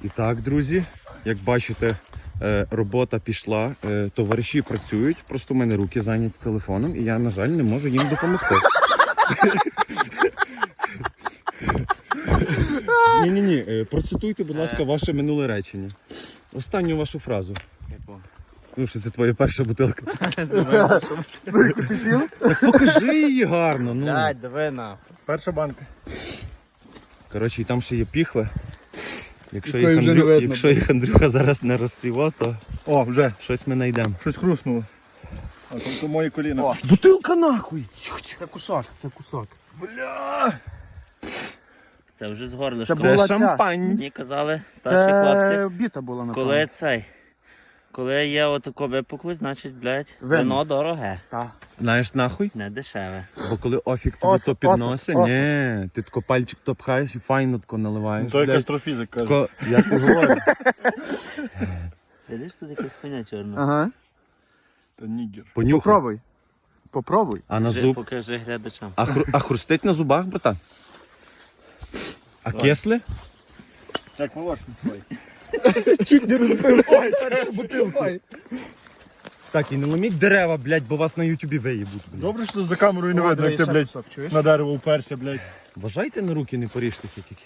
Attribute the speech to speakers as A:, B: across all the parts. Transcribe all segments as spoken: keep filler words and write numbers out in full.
A: І так, друзі, як бачите, робота пішла, товариші працюють, просто в мене руки зайняті телефоном і я, на жаль, не можу їм допомогти. Ні-ні-ні, процитуйте, будь ласка, ваше минуле речення. Останню вашу фразу.
B: Яку?
A: Ну, що це твоя перша бутилка.
B: Це моя перша бутилка.
C: Ти сів?
A: Так покажи її гарно. Ну.
B: Блядь, диви нахуй.
C: Перша банка.
A: Коротше, і там ще є піхви. Якщо
C: Якої
A: їх,
C: вже
A: Андрю...
C: не видно,
A: Якщо їх Андрюха зараз не розсіво, то
C: О, вже.
A: щось ми знайдемо.
C: Щось хрустнуло. А там то мої коліна.
B: О.
A: Бутилка нахуй!
B: Це кусок, це кусок.
C: Бля!
D: Це вже з горлишка.
C: Це
A: Це
C: була ця.
A: шампань.
D: Мені казали старші хлопці,
C: біта була, напевно.
D: коли цей, коли є отако випуклий, значить, блядь,
C: Вино.
D: вино дороге,
C: Та.
A: Знаєш нахуй?
D: не дешеве.
A: Бо коли офік тобі
C: Осип,
A: то підносить,
C: осип,
A: ні, ти тако пальчик то пхаєш і файно тако наливаєш.
C: То
A: блядь.
C: якась астрофізик каже.
A: Тако, я ти говорю.
D: Видиш, тут якась хуйня чорна.
C: Ага.
B: Та нігер.
A: Понюхай.
C: Попробуй. Попробуй.
A: А на
D: Покажи,
A: зуб?
D: покажи глядачам.
A: А, хру... а хрустить на зубах, братан? А кисли?
B: Як молочний твій.
C: Чуть не розбив свою першу бутилку.
A: Так, і не ломіть дерева, блядь, бо вас на ютубі виїбуть. блядь.
B: Добре, що за камерою не видно, як ти, блядь,
C: чуєш?
B: на дерево вперся, блядь.
A: Вважайте на руки, не поріжтеся тільки.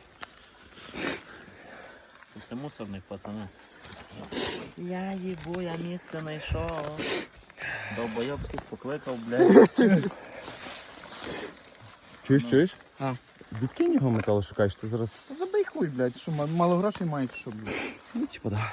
D: Це мусорник, пацани. Я їбу, я місце знайшов. Довбойоб всіх покликав, блядь.
A: Чуєш, чуєш?
C: А.
A: Відкинь його металу шукаєш, ти зараз...
C: Забий хуй, блядь, що ма- мало грошей мають, що, блядь.
A: Ну, типа, да.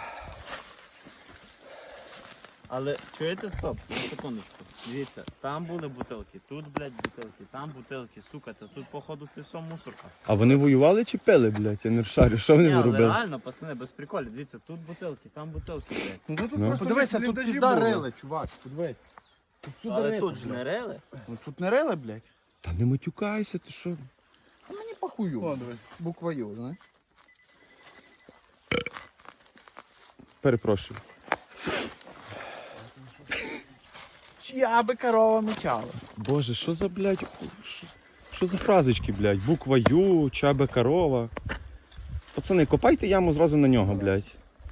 D: Але чуєте, стоп, на секундочку. Дивіться, там були бутилки, тут, блядь, бутилки, там бутилки, сука, та тут, походу, це все мусорка.
A: А вони воювали чи пили, блядь? Я не шарю, що вони
D: Ні, але
A: робили?
D: реально, пацани, без приколів, дивіться, тут бутилки, там бутилки, блядь.
B: Ну тут
A: Ну.
B: просто
C: Подивися, тут
B: бліндажі
C: пізда
B: було.
C: рили, чувак, подивись. Тут всюди
D: Але
C: рито,
D: тут ж
C: блядь.
D: не рили.
C: Ну, тут не рили, блядь.
A: Та не матюкайся, ти що?
C: А мені похую.
B: О, дивись.
C: Буква Ю, знаєш?
A: Перепрошую.
C: Чия би корова мечала?
A: Боже, що за, блядь, що, що за фразочки, блядь? Буква Ю, чабе корова. Пацани, копайте яму зразу на нього, блядь.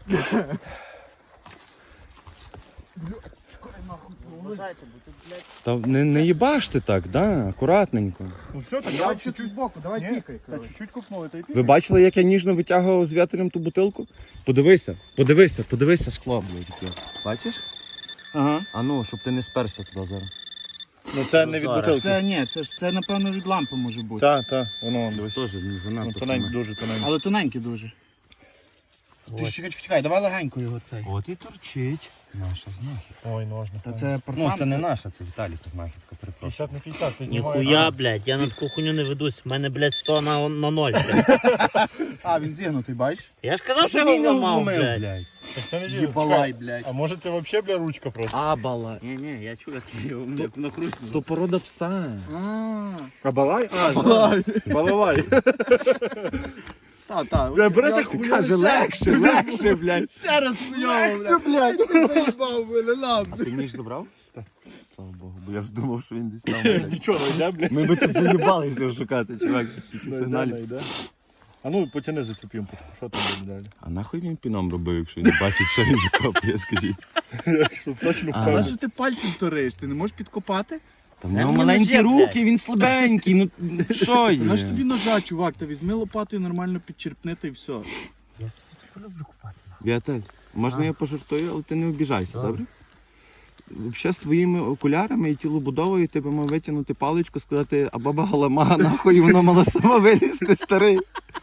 D: Вважайте, бо тут, блядь,
A: Та не, не їбаште так, да, акуратненько.
B: Ну все, так
C: Я
B: давай
C: чуть
B: чуть-чуть.
C: збоку, давай
B: Ні,
C: тікай,
B: Та
C: коротше.
B: чуть-чуть купнули, та й
A: Ви бачили, як я ніжно витягував з вітром ту бутилку? Подивися, подивися, подивися скло, блядь. яке. Бачиш?
C: Ага.
A: А ну, щоб ти не сперся туди зараз.
B: Ну це не від
D: Зараз.
B: бутилки.
C: Це ні, це ж це напевно від лампи може бути.
B: Так, так, воно вон, дивись.
A: Теж не
B: Ну,
A: занадто.
B: тоненько,
A: саме.
B: дуже тоненько.
C: Але тоненький дуже. Ти ж чекай, чекай, чекай, давай легенько його цей.
A: От і торчить наша знахідка.
B: Ой, ножна.
C: Та це
A: Ну,
C: портан.
A: це не наша, це Віталіка знахідка, перепрошую.
B: п'ятдесят на п'ятдесят, ти знімаєш.
D: ніхуя, блядь, я на таку хуйню не ведусь, в мене, блядь, сто на, на ноль, блядь.
C: А, він зігнутий, бачиш?
D: Я ж казав, що я його ламав, блядь.
B: Так це не діло.
C: Єбалай,
B: Чекай,
C: блядь.
B: А може це взагалі, бля, ручка просто?
A: Абала.
D: Ні, ні, я чую, як я його як накручну.
A: То порода пса.
C: А,
B: А балай? А, балалай.
C: та, та.
B: Бля, берете
C: Я-
B: хуйню.
A: Каже, легше, легше, блядь.
C: Ще раз хуйово, блядь. Ти заїбав мене, на,
A: А ти ніж забрав? Так. Слава Богу, бо я ж думав, що він десь там, блядь.
B: Нічого, не йде, блядь.
A: Ми би тут заїбалися його шукати, чувак, скільки
B: Не йде, не
A: сигналів.
B: йде. А ну, потяни за цю пімпочку, що там буде далі?
A: А нахуй він піном робив, якщо він бачить, що він викопує, скажіть.
B: Щоб точно
A: А.
C: На
B: впевнений.
C: що ти пальцем ториш? Ти не можеш підкопати?
A: Та в
D: Це
A: нього
D: мені
A: маленькі
D: ножі,
A: руки, він слабенький, ну що
C: Та на ж
A: є?
C: тобі ножа, чувак, та візьми лопатою, нормально підчерпни та й все.
D: Я люблю купати.
A: Віталь, можна я пожартую, але ти не обіжайся, добре? Взагалі з твоїми окулярами і тілобудовою ти би мав витягнути паличку, сказати, а баба галамага, нахуй, і вона мала сама вилізти, старий.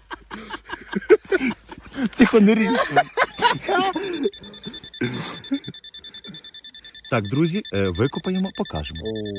A: Тихо, не ріж. Так, друзі, викопаємо, покажемо.